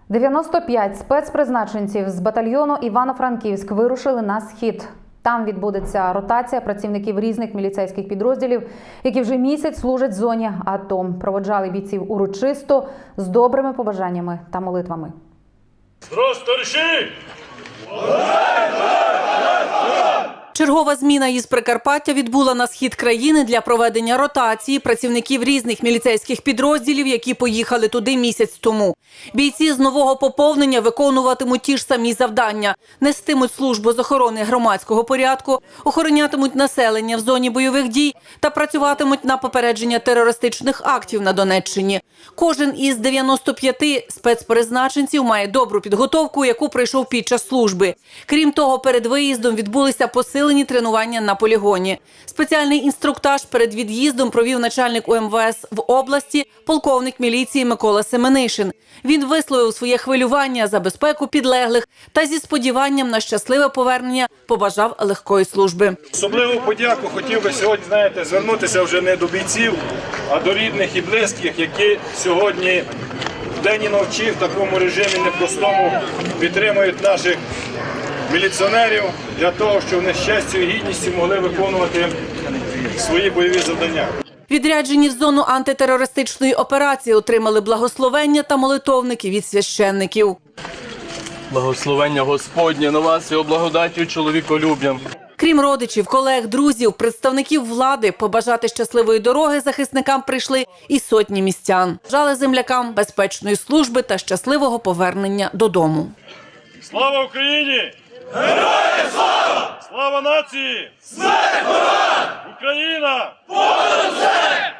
95 спецпризначенців з батальйону Івано-Франківськ вирушили на схід. Там відбудеться ротація працівників різних міліцейських підрозділів, які вже місяць служать в зоні АТО. Проводжали бійців урочисто, з добрими побажаннями та молитвами. Чергова зміна із Прикарпаття відбула на схід країни для проведення ротації працівників різних міліцейських підрозділів, які поїхали туди місяць тому. Бійці з нового поповнення виконуватимуть ті ж самі завдання. Нестимуть службу з охорони громадського порядку, охоронятимуть населення в зоні бойових дій та працюватимуть на попередження терористичних актів на Донеччині. Кожен із 95 спецпризначенців має добру підготовку, яку пройшов під час служби. Крім того, перед виїздом відбулися посилені тренування на полігоні. Спеціальний інструктаж перед від'їздом провів начальник УМВС в області, полковник міліції Микола Семенишин. Він висловив своє хвилювання за безпеку підлеглих та зі сподіванням на щасливе повернення побажав легкої служби. Особливу подяку хотів би сьогодні, звернутися вже не до бійців, а до рідних і близьких, які сьогодні вдень і вночі в такому режимі непростому підтримують наших міліціонерів для того, щоб вони з честю і гідністю могли виконувати свої бойові завдання. Відряджені в зону антитерористичної операції отримали благословення та молитовники від священників. Благословення Господнє на вас, його благодаттю чоловіколюб'ям. Крім родичів, колег, друзів, представників влади, побажати щасливої дороги захисникам прийшли і сотні містян. Бажали землякам безпечної служби та щасливого повернення додому. Слава Україні! Героям слава! Слава нації! Смерть ворогам! Україна! Понад усе!